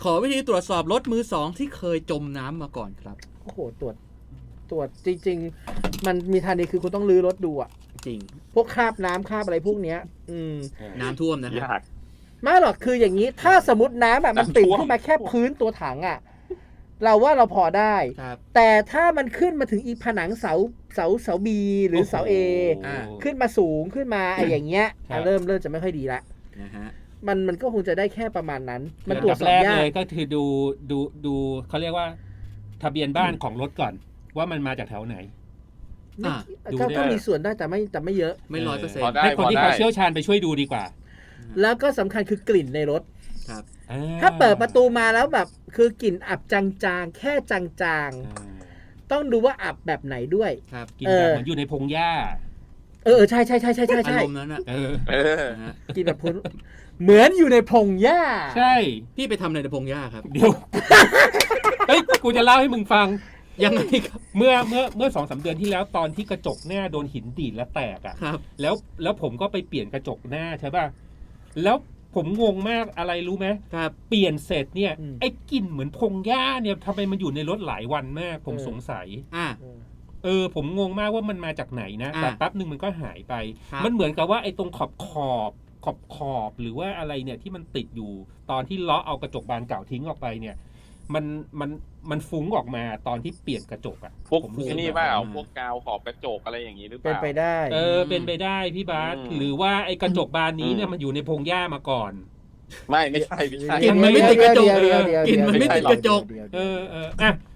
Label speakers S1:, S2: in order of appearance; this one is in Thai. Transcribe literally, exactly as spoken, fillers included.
S1: ขอวิธีตรวจสอบรถมือสองที่เคยจมน้ำมาก่อนครับ
S2: โอ้โหตรวจตรวจจริงๆมันมีทางนี้คือคุณต้องลื้อรถดูอ่ะ
S1: จริง
S2: พวกคราบน้ำคราบอะไรพวกเนี้ย อืม
S1: น้ำท่วมนะ
S3: ยาก
S2: ไม่หรอกคืออย่างนี้ถ้าสมมติน้ำอ่ะมันติดขึ้นมาแค่พื้นตัวถังอ่ะเราว่าเราพอได้แต่ถ้ามันขึ้นมาถึงอีผนังเสาเสาเสาบีหรือเสาเอขึ้นมาสูงขึ้นมาไอ้อย่างเงี้ยเริ่มเริ่มจะไม่ค่อยดีละ
S1: นะฮะ
S2: มันมันก็คงจะได้แค่ประมาณนั้นมัน
S4: ตรวจสอบยากเลยก็คือดูดูดูเขาเรียกว่าทะเบียนบ้านของรถก่อนว่ามันมาจากแถวไหน
S2: ก็มีส่วนได้แต่ไม่แต่ไม่เยอะ
S1: ไม่ร้อยเปอร์เซ็นต์
S4: ให้คนที่เขาเชี่ยวชาญไปช่วยดูดีกว่า
S2: แล้วก็สำคัญคือกลิ่นในรถ
S1: ครับ
S2: ถ้าเปิดประตูมาแล้วแบบคือกลิ่นอับจางๆแค่จางๆต้องดูว่าอับแบบไหนด้วย
S1: ครับ
S4: กลิ่นแบบเหมือนอยู่ในพงหญ้า
S2: เออใช่ใช่ใช่ใช่ใช่
S1: อารมณ์นั้นอ่ะ
S4: เออ
S2: กินแบบพุ่นเหมือนอยู่ในพงหญ้า
S4: ใช่
S1: พี่ไปทำอะไรในพงหญ้าครับ
S4: เดี๋ยวเฮ้ยกูจะเล่าให้มึงฟัง
S1: ยังไงครับ
S4: เมื่อเมื่อเมื่อสองสามเดือนที่แล้วตอนที่กระจกหน้าโดนหินดีดแล้วแตกอ่ะ
S1: ครับ
S4: แล้วแล้วผมก็ไปเปลี่ยนกระจกหน้าใช่ป่ะแล้วผมงงมากอะไรรู้ไหม
S1: ครับ
S4: เปลี่ยนเสร็จเนี่ยไอ้กลิ่นเหมือนพงหญ้าเนี่ยทำไมมันอยู่ในรถหลายวันมากผมสงสัย
S1: อ่า
S4: เออผมงงมากว่ามันมาจากไหนนะแต่แป๊บนึงมันก็หายไปมันเหมือนกับว่าไอ้ตรงขอบขอบขอบขอบหรือว่าอะไรเนี่ยที่มันติดอยู่ตอนที่เลาะเอากระจกบานเก่าทิ้งออกไปเนี่ยมันมันมันฟุ้งออกมาตอนที่เปลี่ยนกระจกอ่ะ
S3: พวกนี่เปล่าพวกกาวขอบกระจกอะไรอย่างนี้หรือเปล่า
S2: เป็นไปได้
S4: เออเป็นไปได้พี่บาสหรือว่าไอ้กระจกบานนี้เนี่ยมันอยู่ในพงหญ้ามาก่อน
S3: ไม่ไม่ใช่ไม่ใช่
S1: กินมันไม่ติดกระจกกินมันไม่ติดกระจก
S4: เออเอออ่ะ